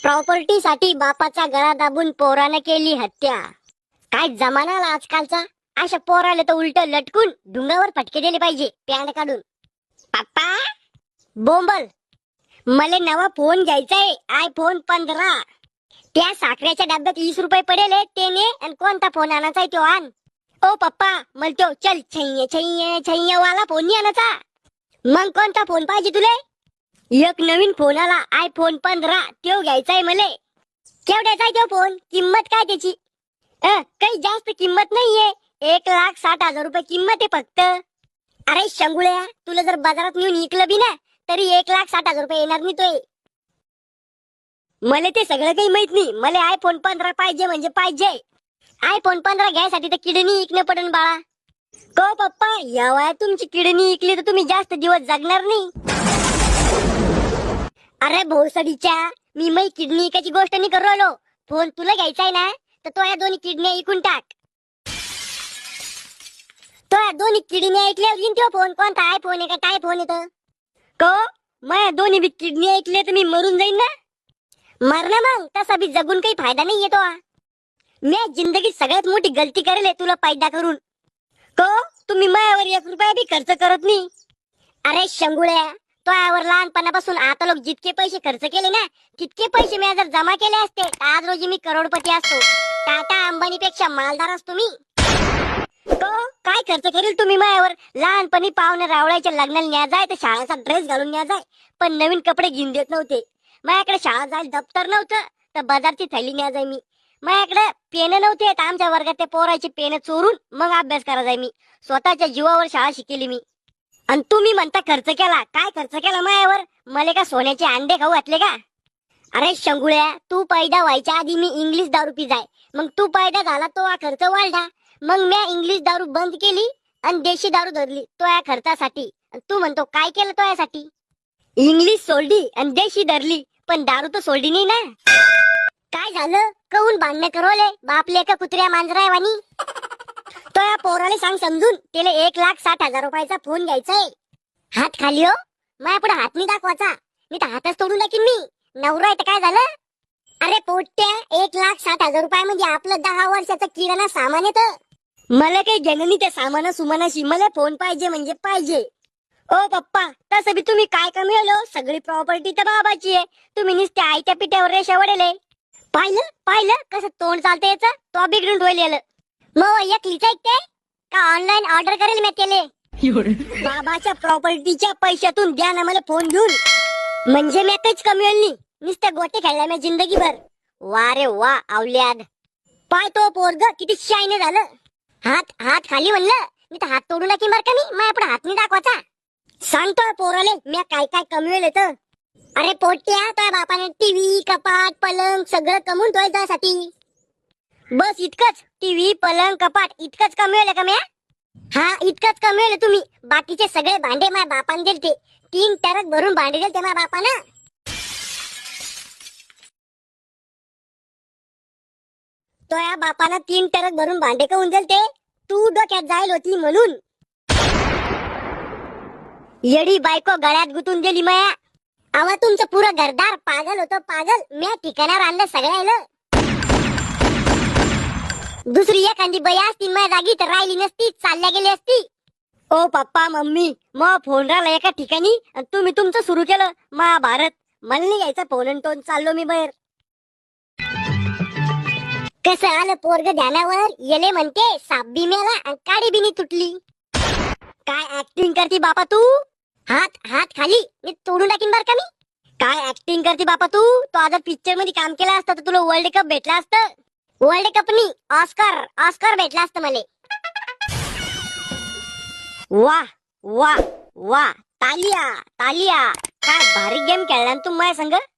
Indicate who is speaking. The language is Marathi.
Speaker 1: प्रॉपर्टी साठी बापाचा गळा दाबून पोराने केली हत्या। काय जमाना आला आजकालचा। अशा पोराला तर उलट लटकून डुंगावर फटके दिले पाहिजे पॅन्ट काढून। पप्पा बोंबल, मला नवा फोन घ्यायचाय, आयफोन 15। त्या साखरेच्या डब्यात 20 रुपये पडेल ते ने, आणि कोणता फोन आणायचा आहे तो आण। ओ पप्पा मला तो चल छैये छैये छैये वाला फोन नाही आणायचा। मग कोणता फोन पाहिजे तुले? एक नवीन फोन आला आयफोन 15 तो घ्यायचाय मले। केवढ्याचा आहे तो फोन? किंमत काय त्याची? काही जास्त किंमत नाहीये, 1,60,000 रुपये किंमत आहे फक्त। अरे शंगुळ्या, तुला जर बाजारात नेऊन विकलं बी ना तरी 1,60,000 रुपये येणार नाही तो। मला ते सगळं काही माहित नाही, मला आयफोन 15 पाहिजे म्हणजे पाहिजे। आयफोन 15 घ्यायसाठी तर किडनी विकणं पडन बाळा। को पप्पा, या वयात तुमची किडनी विकली तर तुम्ही जास्त दिवस जगणार नाही। अरे भोसडीच्या, मी मै किडनी विकायची गोष्ट नाही करू राहिलो। फोन तुला घ्यायचा आहे ना तर तो या दोन्ही किडनी विकून टाक। तो या दोन्ही किडनी ऐकल्यावर येईन तो फोन कोणता आयफोन आहे का काय फोन येतं। को मैं दोन्ही बी किडनी ऐकले तर मी मरून जाईन ना। मरना मग, तसा बी जगून काही फायदा नाही येतो। मी जिंदगीत सगळ्यात मोठी गलती करेल तुला पैदा करून। को तुम्ही मायावर 1 रुपया बी खर्च करत नाही। अरे शंगुळ्या, तो यावर लहानपणापासून आता लोक जितके पैसे खर्च केले ना तितके पैसे मी जर जमा केले असते तर आज रोजी मी करोडपती असतो। टाटा अंबानी पेक्षा मालदार असतो मी। तो काय खर्च करेल तुम्ही मायावर? लहानपणी पाहुणे रावळाच्या लग्नाला न्या जाय तर शाळेचा ड्रेस घालून न्या जाय, पण नवीन कपडे घेऊन देत नव्हते। माझ्याकडे शाळा जायला दप्तर नव्हतं तर बाजारची थैली न्या जाय मी। माझ्याकडे पेन नव्हते तर आमच्या वर्गात ते पोराची पेन चोरून मग अभ्यास करा जाय मी। स्वतःच्या जीवावर शाळा शिकेली मी। आणि तुम्ही म्हणता खर्च केला, काय खर्च केला मायावर? मला का सोन्याचे अंडे खाऊ घातले का? अरे शंगुळ्या, तू पैदा व्हायच्या आधी मी इंग्लिश दारू पिजाय, मग तू पैदा झाला तो हा खर्च वाढला, मग मी इंग्लिश दारू बंद केली आणि देशी दारू धरली तो या खर्चासाठी। तू म्हणतो काय केलं तो यासाठी? इंग्लिश सोडली आणि देशी धरली, पण दारू तर सोडली नाही ना। काय झालं? कहून भांडणं करवले बापले का कुत्र्या मांजरा वाणी? तो या पोराला सांग समजून, त्याला 1,60,000 रुपयाचा फोन घ्यायचाय। हात खाली हो, माझ्या पुढे हात नाही दाखवायचा, मी तर हातच तोडून टाकीन मी। नवरा आहे तर काय झालं? अरे पोट्या, 1,60,000 रुपयामध्ये आपलं 10 वर्षाचं किराणा सामान येतं। मला काही घेणं नाही त्या सामाना सुमानाशी, मला फोन पाहिजे म्हणजे पाहिजे। ओ पप्पा, तसं बी तुम्ही काय कमी सगळी प्रॉपर्टी तर बाबाची आहे, तुम्ही नुसते आयत्या पिठ्यावर रेषा वडेले। पाहिलं पाहिलं कसं तोंड चालतं याचं, तो बिघडून ठेवलेलं। मग एकलीच ऐकते का ऑनलाईन ऑर्डर करेल मी केले? बाबाच्या प्रॉपर्टीच्या पैशातून द्या ना मला फोन घेऊन, म्हणजे मी काहीच कमी होईल नाही, नुसते गोटे खेळला मी जिंदगीभर। वा रे वा आवल्याद, पाय तो पोरग किती शाईने झालं। हात हात खाली म्हणलं, मी तर हात तोडून टाकीन बरं का मी, माझ्या पुढे हात नाही दाखवायचा। सांगतो पोराले मी काय काय कमवेल तर। अरे पोट्या, त्या बापाने टीव्ही कपाट पलंग सगळं कमवून ठेवायच्यासाठी। बस इतकंच? टीव्ही पलंग कपाट इतकंच कमवेल का म्या? हा इतकंच कमवेल तुम्ही, बाकीचे सगळे भांडे माझ्या बापाने दिलते। 3 टरक भरून भांडे दिलते माझ्या बापानं। तो या बापानं 3 टरक भरून भांडे काऊन दिलते? तू डोक्यात जाईल होती म्हणून। येडी बायको गळ्यात गुतून दिली माया। आवा तुमचं पुरं घरदार पागल होतं पागल, म्या ठिकाणावर आणलं सगळ्याला। दुसरी एखादी बाई असती माझ्या जागी तर राहिली नसती, चालल्या गेली असती। ओ पप्पा मम्मी, मग फोन राहिला एका ठिकाणी आणि तुम्ही तुमचं सुरू केलं महाभारत। मला नाही घ्यायचा फोन आणि टोन, चाललो मी बाहेर। कसं आलं पोरग ध्यानावर, येले म्हणते साप बी मेला आणि काडी बी नाही तुटली। काय ऍक्टिंग करती बापा तू? हात हात खाली, मी तोडून टाकीन बर का मी। काय ऍक्टिंग करती बापा तू? तो आता पिक्चर मध्ये काम केलं असतं तर तुला वर्ल्ड कप भेटला असतं। वर्ल्ड कप नाही, ऑस्कर ऑस्कर भेटला असतं मला। वा वा वा, तालिया तालिया, काय भारी गेम खेळला तू माझ्या संग।